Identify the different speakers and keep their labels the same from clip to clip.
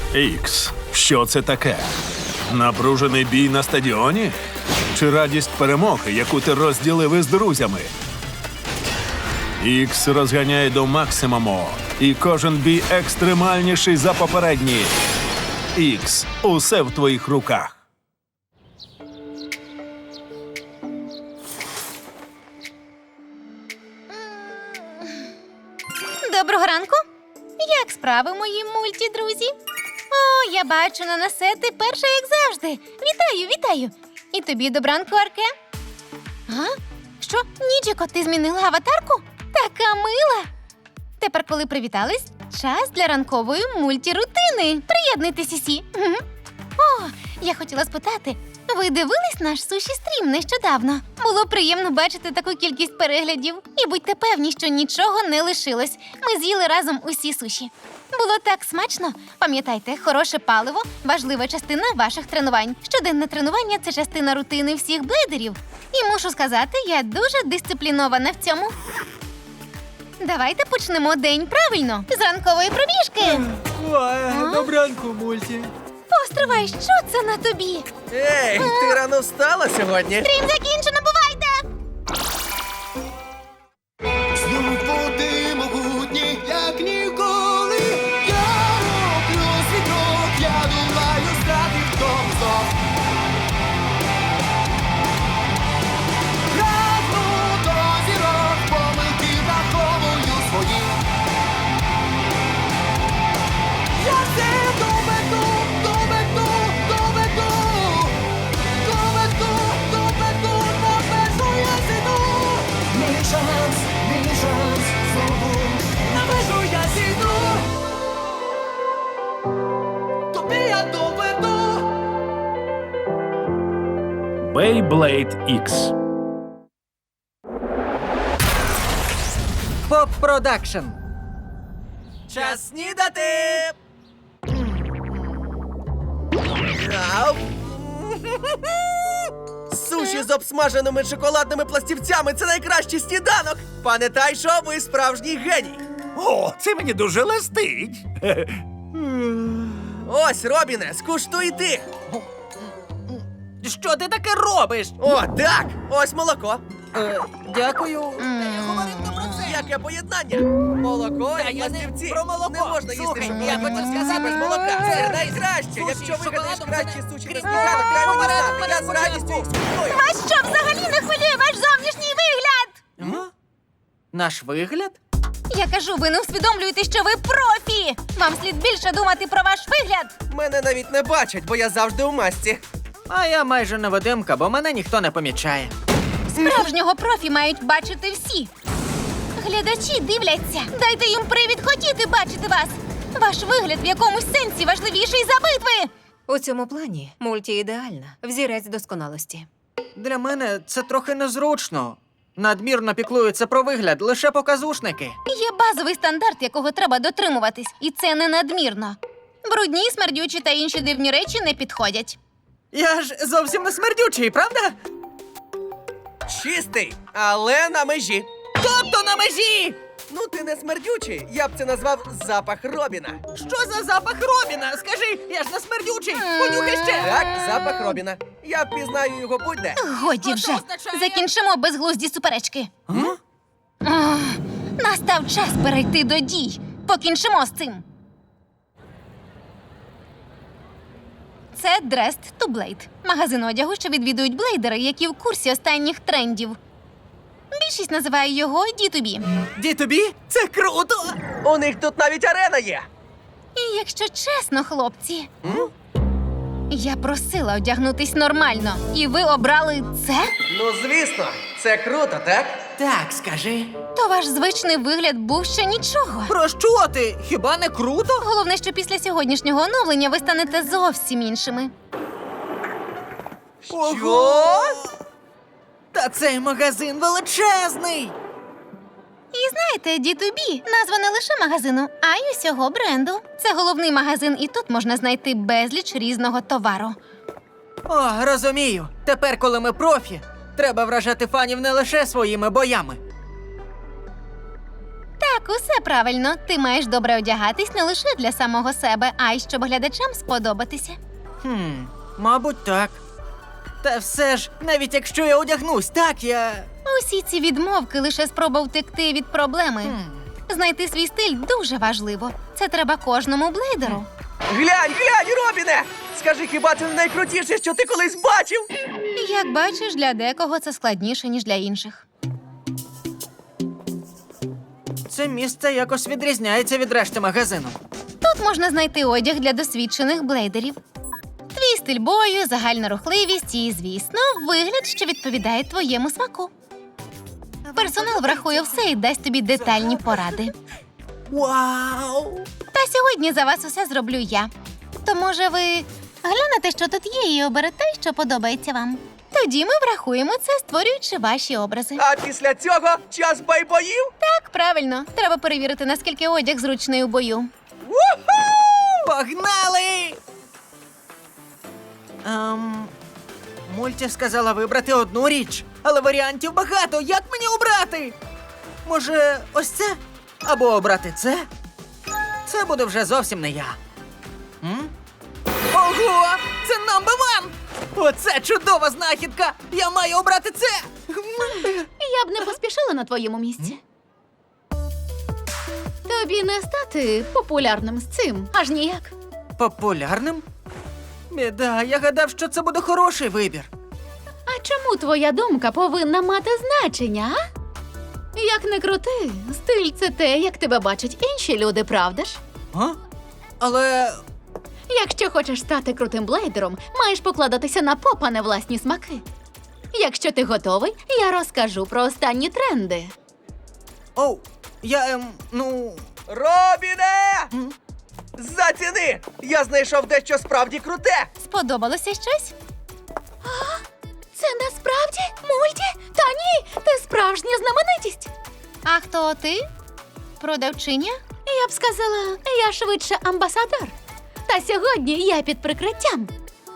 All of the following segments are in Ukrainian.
Speaker 1: Ікс, що це таке? Напружений бій на стадіоні? Чи радість перемоги, яку ти розділив із друзями? Ікс розганяє до максимуму, і кожен бій екстремальніший за попередній. Ікс, усе в твоїх руках.
Speaker 2: Доброго ранку. Як справи, мої мультідрузі? О, я бачу, Нанасе, ти перша, як завжди. Вітаю, вітаю. І тобі добранку, Арке. А? Що, Ніджіко, ти змінила аватарку? Така мила. Тепер, коли привітались, час для ранкової мультірутини. Приєднуйтесь усі. Мгм. О, я хотіла спитати, ви дивились наш суші-стрім нещодавно? Було приємно бачити таку кількість переглядів. І будьте певні, що нічого не лишилось. Ми з'їли разом усі суші. Було так смачно. Пам'ятайте, хороше паливо – важлива частина ваших тренувань. Щоденне тренування – це частина рутини всіх блейдерів. І мушу сказати, я дуже дисциплінована в цьому. Давайте почнемо день правильно, з ранкової пробіжки.
Speaker 3: Добранку, мульті.
Speaker 2: Постривай, що це на тобі?
Speaker 3: Ей, ти рано встала сьогодні?
Speaker 2: Стрім закінчено, бувайте!
Speaker 4: Знову ти могутній, як ніколи. Я роблю свій крок, я долаю страти в тому знов. Прагну до зірок, помилки враховую свої. Я все доведу, доведу, доведу. Доведу, на межу я зійду. Мій шанс, знову на межу я зійду. Тобі я доведу.
Speaker 1: Beyblade X.
Speaker 3: Поп Продакшн. Час снідати! Ау. Суші з обсмаженими шоколадними пластівцями – це найкращий сніданок! Пам'ятай, що ви справжній геній!
Speaker 5: О, це мені дуже лестить.
Speaker 3: Ось, Робіне, скуштуй ти!
Speaker 6: Що ти таке робиш?
Speaker 3: О, так! Ось молоко!
Speaker 6: Дякую.
Speaker 3: Яке поєднання! Молоко
Speaker 6: Та
Speaker 3: і
Speaker 6: я не
Speaker 3: пластівці!
Speaker 6: про молоко.
Speaker 3: Не можна їсти
Speaker 6: Слухай,
Speaker 3: шоколадні
Speaker 6: я хотів
Speaker 3: пластівці
Speaker 6: сказати,
Speaker 3: без молока!
Speaker 6: це
Speaker 3: Це найкраще!
Speaker 6: суші
Speaker 3: Якщо
Speaker 6: з
Speaker 3: вигадаєш
Speaker 6: шоколадом,
Speaker 3: кращі
Speaker 6: це
Speaker 3: суші
Speaker 6: не-
Speaker 3: на сніданок, дай мені знати! Я з радістю їх спробую!
Speaker 2: Вас що, взагалі не хвилює ваш зовнішній вигляд?
Speaker 6: Наш вигляд?
Speaker 2: Я кажу, ви не усвідомлюєте, що ви профі! Вам слід більше думати про ваш вигляд!
Speaker 3: Мене навіть не бачать, бо я завжди у масці.
Speaker 6: А я майже невидимка, бо мене ніхто не помічає.
Speaker 2: Справжнього профі мають бачити всі. Глядачі дивляться. Дайте їм привід хотіти бачити вас. Ваш вигляд в якомусь сенсі важливіший за битви.
Speaker 7: У цьому плані мульті ідеальна, взірець досконалості.
Speaker 6: Для мене це трохи незручно. Надмірно піклуються про вигляд лише показушники.
Speaker 2: Є базовий стандарт, якого треба дотримуватись, і це не надмірно. Брудні, смердючі та інші дивні речі не підходять.
Speaker 6: Я ж зовсім не смердючий, правда?
Speaker 3: Чистий, але на межі.
Speaker 6: Тобто на межі!
Speaker 3: Ну, ти не смердючий, я б це назвав запах Робіна.
Speaker 6: Що за запах Робіна? Скажи, я ж не смердючий! Понюхай ще!
Speaker 3: Так, запах Робіна. Я впізнаю його будь-де.
Speaker 2: Годі
Speaker 6: Що
Speaker 2: вже.
Speaker 6: це означає?
Speaker 2: Закінчимо безглузді суперечки. Ах, настав час перейти до дій. Покінчимо з цим. Це Dressed to Blade. Магазин одягу, що відвідують блейдери, які в курсі останніх трендів. Більшість називає його D2B.
Speaker 6: Ді-тобі? Це круто!
Speaker 3: У них тут навіть арена є.
Speaker 2: І якщо чесно, хлопці, я просила одягнутись нормально, і ви обрали це?
Speaker 3: Ну, звісно, це круто, так?
Speaker 6: Так, скажи.
Speaker 2: То ваш звичний вигляд був ще нічого.
Speaker 6: Про що ти? Хіба не круто?
Speaker 2: Головне, що після сьогоднішнього оновлення ви станете зовсім іншими.
Speaker 3: Що?
Speaker 6: Та цей магазин величезний!
Speaker 2: І знаєте, D2B – назва не лише магазину, а й усього бренду. Це головний магазин, і тут можна знайти безліч різного товару.
Speaker 6: О, розумію. Тепер, коли ми профі, треба вражати фанів не лише своїми боями.
Speaker 2: Так, усе правильно. Ти маєш добре одягатись не лише для самого себе, а й щоб глядачам сподобатися.
Speaker 6: Мабуть, так. Та все ж, навіть якщо я одягнусь, так я.
Speaker 2: Усі ці відмовки лише спроба втекти від проблеми. Знайти свій стиль дуже важливо. Це треба кожному блейдеру.
Speaker 3: Глянь, Робіне! Скажи, хіба це не найкрутіше, що ти колись бачив?
Speaker 2: Як бачиш, для декого це складніше, ніж для інших.
Speaker 6: Це місце якось відрізняється від решти магазину.
Speaker 2: Тут можна знайти одяг для досвідчених блейдерів. Твій стиль бою, загальна рухливість і, звісно, вигляд, що відповідає твоєму смаку. Персонал врахує все і дасть тобі детальні поради.
Speaker 6: Вау!
Speaker 2: Та сьогодні за вас усе зроблю я. То, може, ви глянете, що тут є, і оберете, що подобається вам. Тоді ми врахуємо це, створюючи ваші образи.
Speaker 3: А після цього час байбоїв?
Speaker 2: Так, правильно. Треба перевірити, наскільки одяг зручний у бою.
Speaker 6: Погнали! Мульті сказала вибрати одну річ, але варіантів багато. Як мені обрати? Може, ось це? Або обрати це? Це буде вже зовсім не я. Ого! Це number one! Оце чудова знахідка! Я маю обрати це!
Speaker 8: Я б не поспішала на твоєму місці. Тобі не стати популярним з цим, аж ніяк.
Speaker 6: Популярним? Біда, я гадав, що це буде хороший вибір.
Speaker 8: А чому твоя думка повинна мати значення, а? Як не крути, стиль – це те, як тебе бачать інші люди, правда ж?
Speaker 6: А? Але
Speaker 8: Якщо хочеш стати крутим блейдером, маєш покладатися на поп, а не власні смаки. Якщо ти готовий, я розкажу про останні тренди.
Speaker 6: Оу, я,
Speaker 3: Робіне! Заціни! Я знайшов дещо справді круте!
Speaker 2: Сподобалося щось?
Speaker 8: Це насправді мульті? Та ні, ти справжня знаменитість.
Speaker 2: А хто ти? Продавчиня?
Speaker 8: Я б сказала, я швидше амбасадор. Та сьогодні я під прикриттям.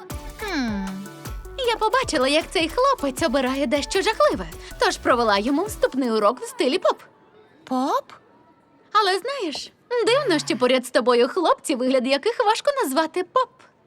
Speaker 8: Я побачила, як цей хлопець обирає дещо жахливе, тож провела йому вступний урок в стилі поп.
Speaker 2: Поп?
Speaker 8: Але знаєш, дивно, що поряд з тобою хлопці, вигляд яких важко назвати поп.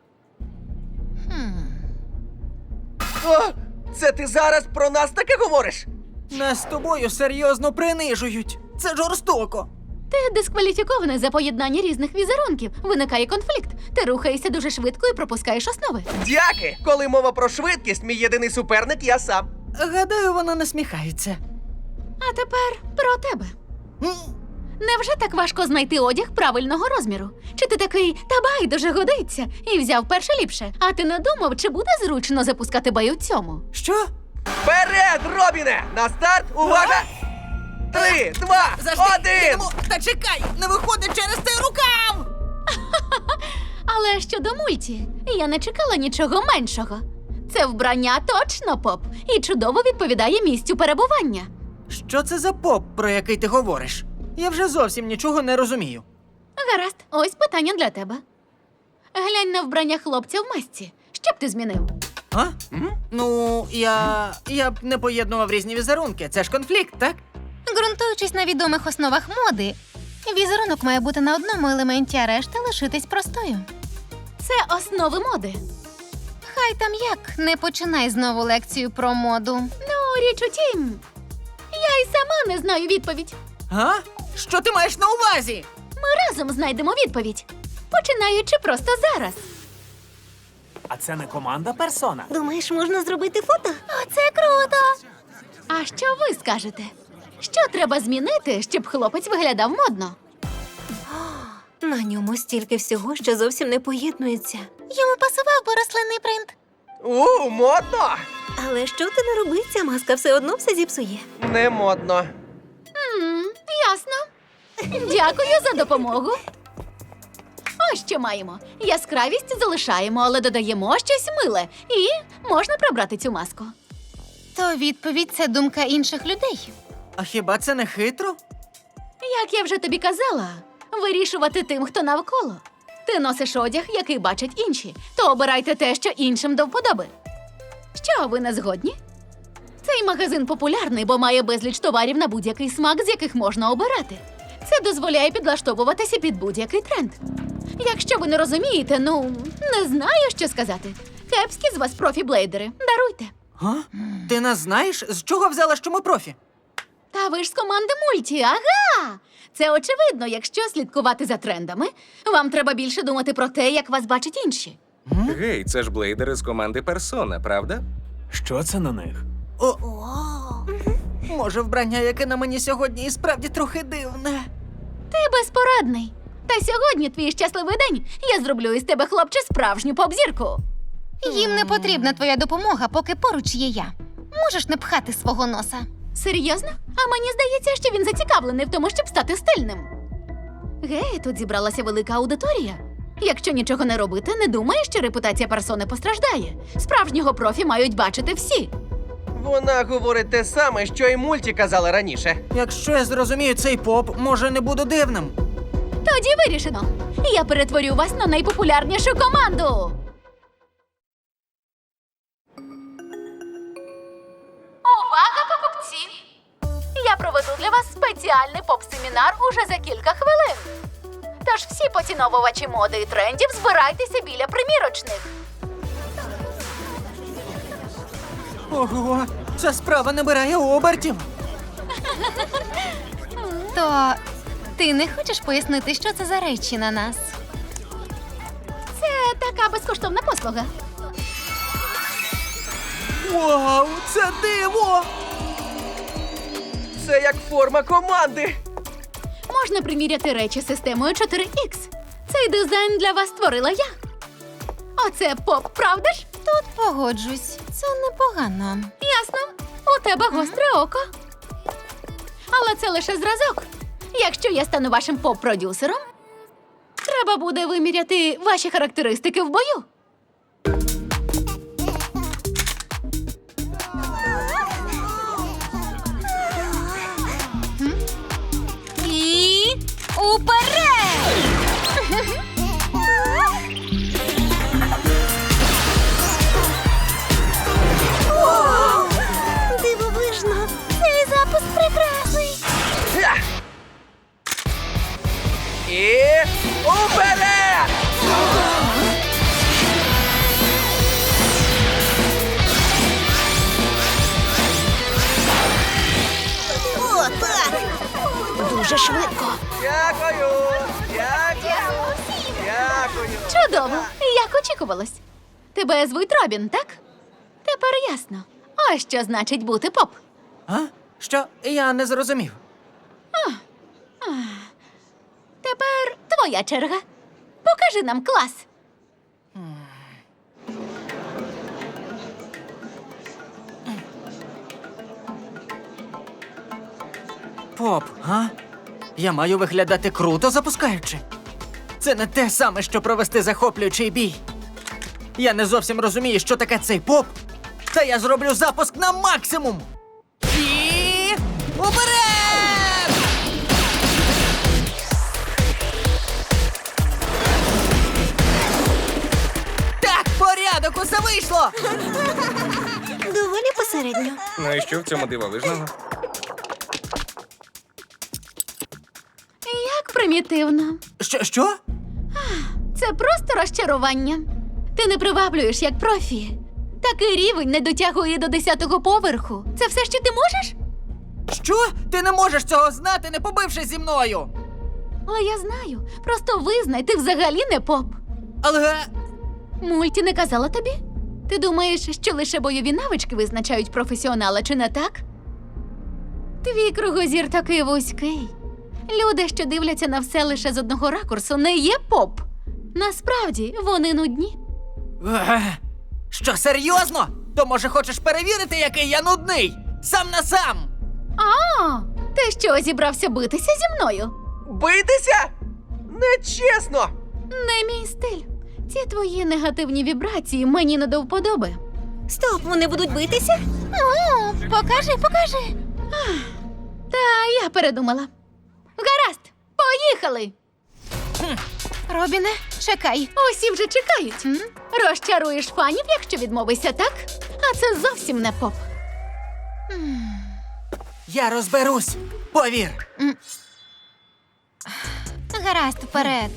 Speaker 3: О, це ти зараз про нас таке говориш?
Speaker 6: нас з тобою серйозно принижують. Це жорстоко.
Speaker 8: Ти дискваліфікований за поєднання різних візерунків. Виникає конфлікт. Ти рухаєшся дуже швидко і пропускаєш основи.
Speaker 3: Дяки! Коли мова про швидкість, мій єдиний суперник я сам.
Speaker 6: Гадаю, вона насміхається.
Speaker 8: А тепер про тебе. Невже так важко знайти одяг правильного розміру? Чи ти такий, та байдуже годиться, і взяв перше ліпше? А ти не думав, чи буде зручно запускати бой у цьому?
Speaker 6: Що?
Speaker 3: Вперед, Робіне! На старт, увага! 3, 2, 1!
Speaker 6: Та чекай, не виходить через цей рукав!
Speaker 8: Але щодо мульті, я не чекала нічого меншого. Це вбрання точно поп і чудово відповідає місцю перебування.
Speaker 6: Що це за поп, про який ти говориш? Я вже зовсім нічого не розумію.
Speaker 8: Гаразд, ось питання для тебе. Глянь на вбрання хлопця в масці. Що б ти змінив?
Speaker 6: А? Ну, я б не поєднував різні візерунки. Це ж конфлікт, так?
Speaker 2: Ґрунтуючись на відомих основах моди, візерунок має бути на одному елементі, а решта лишитись простою.
Speaker 8: Це основи моди.
Speaker 2: Хай там як, не починай знову лекцію про моду.
Speaker 8: Ну, річ у тім, я й сама не знаю відповідь.
Speaker 6: А? Що ти маєш на увазі?
Speaker 8: Ми разом знайдемо відповідь, починаючи просто зараз.
Speaker 5: А це не команда персона.
Speaker 2: Думаєш, можна зробити фото? Оце круто!
Speaker 8: А що ви скажете? Що треба змінити, щоб хлопець виглядав модно?
Speaker 7: На ньому стільки всього, що зовсім не поєднується.
Speaker 2: Йому пасував би рослинний принт.
Speaker 3: Модно!
Speaker 7: Але що ти не роби, ця маска все одно все зіпсує.
Speaker 3: Не модно.
Speaker 8: Ясно. Дякую за допомогу. Ось що маємо. Яскравість залишаємо, але додаємо щось миле. І можна прибрати цю маску.
Speaker 2: То відповідь – це думка інших людей.
Speaker 6: А хіба це не хитро?
Speaker 8: Як я вже тобі казала, вирішувати тим, хто навколо. Ти носиш одяг, який бачать інші, то обирайте те, що іншим до вподоби. Що, ви не згодні? Цей магазин популярний, бо має безліч товарів на будь-який смак, з яких можна обирати. Це дозволяє підлаштовуватися під будь-який тренд. Якщо ви не розумієте, не знаю, що сказати. Кепські з вас профі-блейдери. Даруйте.
Speaker 6: Га? Ти нас знаєш, з чого взяла, що ми профі?
Speaker 8: Та ви ж з команди мульті, ага! Це очевидно, якщо слідкувати за трендами, вам треба більше думати про те, як вас бачать інші.
Speaker 9: Гей, це ж блейдери з команди Персона, правда?
Speaker 5: Що це на них?
Speaker 6: О, може, вбрання, яке на мені сьогодні, і справді трохи дивне.
Speaker 8: Ти безпорадний. Та сьогодні твій щасливий день. Я зроблю із тебе, хлопче, справжню поп-зірку.
Speaker 2: Їм не потрібна твоя допомога, поки поруч є я. Можеш не пхати свого носа.
Speaker 8: Серйозно? А мені здається, що він зацікавлений в тому, щоб стати стильним. Гей, тут зібралася велика аудиторія. Якщо нічого не робити, не думаю, що репутація персони постраждає. Справжнього профі мають бачити всі.
Speaker 3: Вона говорить те саме, що й мульті казала раніше.
Speaker 6: Якщо я зрозумію цей поп, може, не буду дивним.
Speaker 8: Тоді вирішено. Я перетворю вас на найпопулярнішу команду. Увага, покупці! Я проведу для вас спеціальний поп-семінар уже за кілька хвилин. Тож всі поціновувачі моди і трендів збирайтеся біля примірочних.
Speaker 6: Ого, ця справа набирає обертів.
Speaker 2: То ти не хочеш пояснити, що це за речі на нас?
Speaker 8: Це така безкоштовна послуга.
Speaker 6: Вау, це диво!
Speaker 3: Це як форма команди.
Speaker 8: Можна приміряти речі системою 4X. Цей дизайн для вас створила я. Оце поп, правда ж?
Speaker 2: Тут погоджусь. Це непогано.
Speaker 8: Ясно. У тебе гостре око. Але це лише зразок. Якщо я стану вашим поп-продюсером, треба буде виміряти ваші характеристики в бою.
Speaker 2: І уперед!
Speaker 7: Дивовижно! Цей запуск прекрасний!
Speaker 3: Ха! І уперед!
Speaker 7: О, так! Дуже швидко.
Speaker 3: Дякую! Дякую! Дякую!
Speaker 8: Чудово, як очікувалось. Тебе звуть Робін, так? Тепер ясно. Ось що значить бути поп.
Speaker 6: А? Що? Я не зрозумів.
Speaker 8: Тепер твоя черга. Покажи нам клас.
Speaker 6: Поп, а? Я маю виглядати круто, запускаючи. Це не те саме, що провести захоплюючий бій. Я не зовсім розумію, що таке цей поп. Та я зроблю запуск на максимум. І уперед! Так, порядок, усе вийшло!
Speaker 7: Доволі посередньо.
Speaker 9: Ну і що в цьому дивовижного?
Speaker 8: Як примітивно.
Speaker 6: Що?
Speaker 8: Це просто розчарування. Ти не приваблюєш як профі. Такий рівень не дотягує до 10-го поверху. Це все, що ти можеш?
Speaker 6: Що? Ти не можеш цього знати, не побившись зі мною!
Speaker 8: Але я знаю. Просто визнай, ти взагалі не поп.
Speaker 6: Але...
Speaker 8: Мульті не казала тобі? Ти думаєш, що лише бойові навички визначають професіонала, чи не так? Твій кругозір такий вузький. Люди, що дивляться на все лише з одного ракурсу, не є поп. Насправді, вони нудні.
Speaker 6: Що, серйозно? То, може, хочеш перевірити, який я нудний? Сам на сам!
Speaker 8: А, ти що, зібрався битися зі мною?
Speaker 3: Битися? Нечесно!
Speaker 8: Не мій стиль. Ці твої негативні вібрації мені не до вподоби.
Speaker 7: Стоп, вони будуть битися?
Speaker 2: О, покажи.
Speaker 8: Та я передумала. Гаразд, поїхали!
Speaker 2: Робіне, чекай.
Speaker 8: Усі вже чекають. Розчаруєш фанів, якщо відмовишся, так? А це зовсім не поп.
Speaker 6: Я розберусь, повір.
Speaker 2: Гаразд, вперед.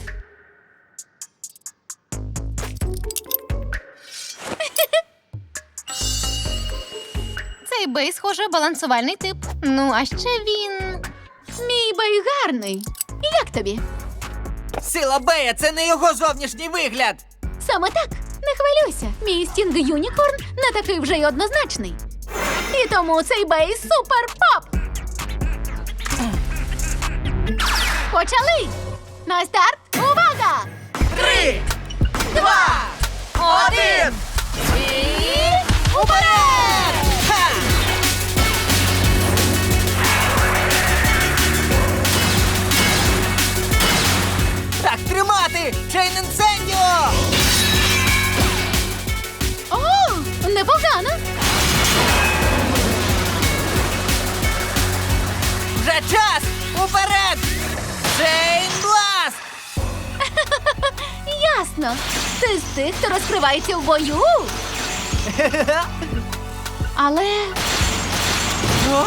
Speaker 2: Цей бей, схоже, балансувальний тип. Ну, а ще він.
Speaker 8: Мій бей гарний. Як тобі?
Speaker 6: Сила Бея це не його зовнішній вигляд.
Speaker 8: Саме так, не хвилюйся. Мій стінг Юнікорн не такий вже й однозначний. І тому цей бей супер поп. Почали! На старт! Увага!
Speaker 3: 3, 2, 1!
Speaker 2: І уперед!
Speaker 6: Так тримати! Чейн інсендіо!
Speaker 8: О, непогано!
Speaker 6: Вже час! Уперед! Чейн Бласт!
Speaker 8: Ясно. Ти з тих, хто розкривається в бою. Але
Speaker 6: О?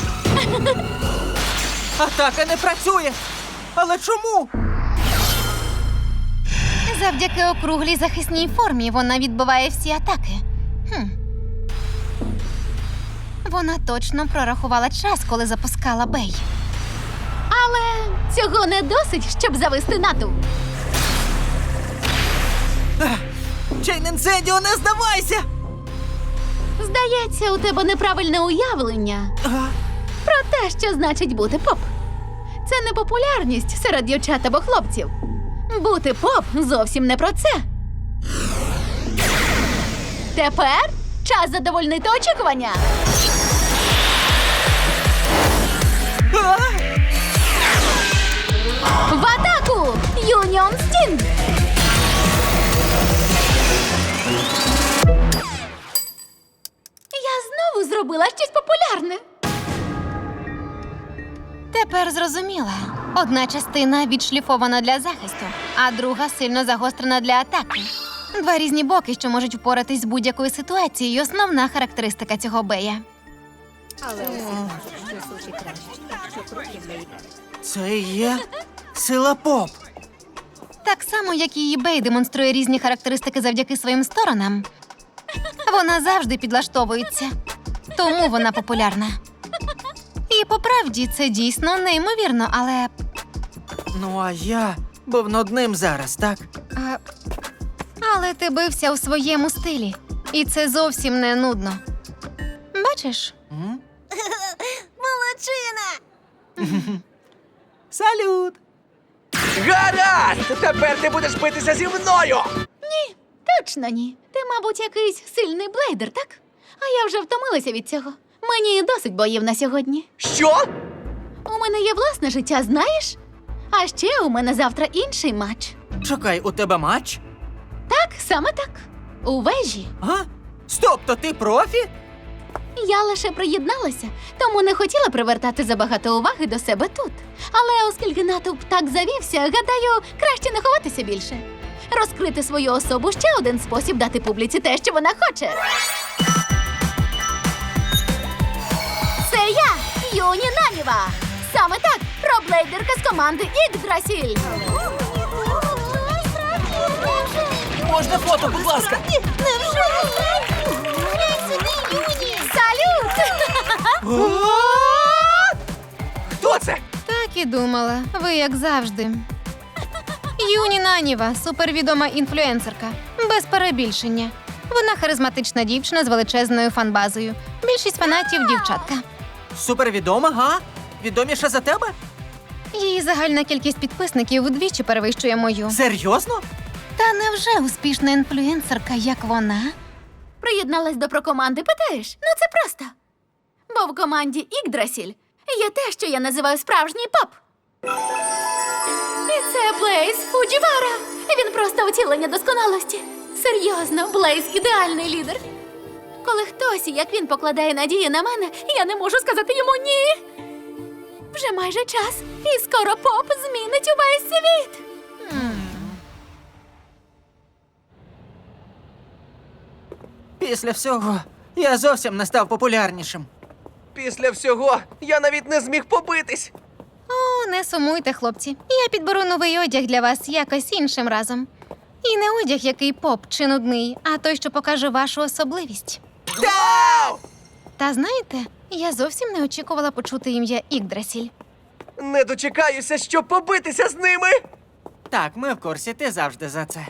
Speaker 6: Атака не працює! Але чому?
Speaker 2: Завдяки округлій захисній формі вона відбиває всі атаки. Вона точно прорахувала час, коли запускала бей.
Speaker 8: Але цього не досить, щоб завести натовп.
Speaker 6: Чейн інсендіо, не здавайся!
Speaker 8: Здається, у тебе неправильне уявлення про те, що значить бути поп. Це не популярність серед дівчат або хлопців. Бути поп зовсім не про це. Тепер час задовольнити очікування.
Speaker 6: А?
Speaker 8: В атаку! Юніон Стінг! Я знову зробила щось популярне.
Speaker 2: Тепер зрозуміла. Одна частина відшліфована для захисту, а друга сильно загострена для атаки. Два різні боки, що можуть впоратись з будь-якою ситуацією. Основна характеристика цього бея.
Speaker 6: Це і є сила поп.
Speaker 2: Так само, як і її бей демонструє різні характеристики завдяки своїм сторонам. Вона завжди підлаштовується. Тому вона популярна. І по правді це дійсно неймовірно, але.
Speaker 6: Ну, а я був над ним зараз, так?
Speaker 2: Але ти бився у своєму стилі. І це зовсім не нудно. Бачиш?
Speaker 6: М?
Speaker 2: Молодчина!
Speaker 6: Салют!
Speaker 3: Гаразд! Тепер ти будеш битися зі мною!
Speaker 8: Точно ні. Ти, мабуть, якийсь сильний блейдер, так? А я вже втомилася від цього. Мені досить боїв на сьогодні.
Speaker 3: Що?
Speaker 8: У мене є власне життя, знаєш? А ще у мене завтра інший матч.
Speaker 6: Чекай, у тебе матч?
Speaker 8: Так, саме так. У вежі.
Speaker 6: А? Стоп, то ти профі?
Speaker 8: Я лише приєдналася, тому не хотіла привертати забагато уваги до себе тут. Але оскільки натовп так завівся, гадаю, краще не ховатися більше. Розкрити свою особу ще один спосіб дати публіці те, що вона хоче. Це я, Юні Наніва. Саме так, проблейдерка з команди Ікдрасіль.
Speaker 5: Можна фото, будь ласка?
Speaker 8: Салют!
Speaker 3: Хто це?
Speaker 2: Так і думала. Ви як завжди. Юні Наніва, супервідома інфлюенсерка. Без перебільшення. Вона харизматична дівчина з величезною фанбазою. Більшість фанатів – дівчатка.
Speaker 6: Супервідома, га? Відоміша за тебе?
Speaker 2: Її загальна кількість підписників вдвічі перевищує мою.
Speaker 6: Серйозно?
Speaker 2: Та невже успішна інфлюенсерка, як вона?
Speaker 8: Приєдналась до прокоманди, питаєш? Ну це просто. Бо в команді Ікдрасіль є те, що я називаю справжній поп. І це Блейз Фуджівара. Він просто втілення досконалості. Серйозно, Блейз – ідеальний лідер. Коли хтось, як він, покладає надії на мене, я не можу сказати йому ні. Вже майже час, і скоро поп змінить увесь світ.
Speaker 6: Після всього я зовсім не став популярнішим.
Speaker 3: Після всього я навіть не зміг побитись.
Speaker 2: О, Не сумуйте, хлопці. Я підберу новий одяг для вас якось іншим разом. І не одяг, який поп чи нудний, а той, що покаже вашу особливість.
Speaker 3: Вау!
Speaker 2: Та знаєте, я зовсім не очікувала почути ім'я Ікдрасіль.
Speaker 3: Не дочекаюся, щоб побитися з ними!
Speaker 6: Так, ми в курсі, ти завжди за це.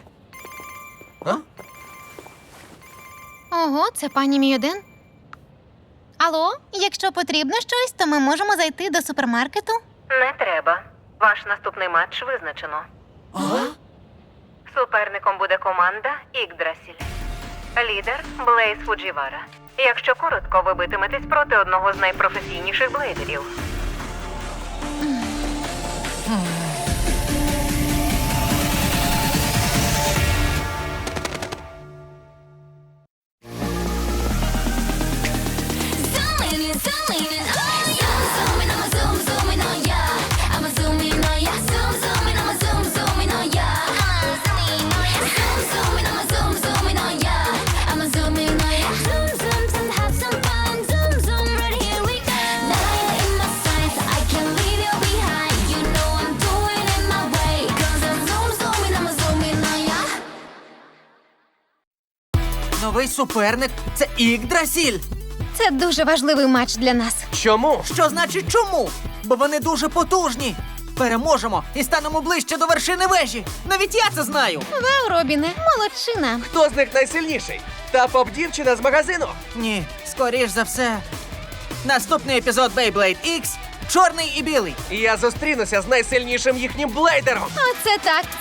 Speaker 2: Ого, це пані Мійоден. Алло, якщо потрібно щось, то ми можемо зайти до супермаркету.
Speaker 7: Не треба. Ваш наступний матч визначено. Суперником буде команда Ікдрасіль. Лідер Блейз Фуджівара. Якщо коротко, ви битиметесь проти одного з найпрофесійніших блейдерів.
Speaker 6: Новий суперник – це Ікдрасіль.
Speaker 2: Це дуже важливий матч для нас.
Speaker 3: Чому?
Speaker 6: Що значить чому? Бо вони дуже потужні. Переможемо і станемо ближче до вершини вежі. Навіть я це знаю.
Speaker 2: Вау, Робіне, молодчина.
Speaker 3: Хто з них найсильніший? Та поп-дівчина з магазину?
Speaker 6: Ні, скоріш за все. Наступний епізод Beyblade X – чорний і білий.
Speaker 3: І я зустрінуся з найсильнішим їхнім блейдером.
Speaker 2: Оце так.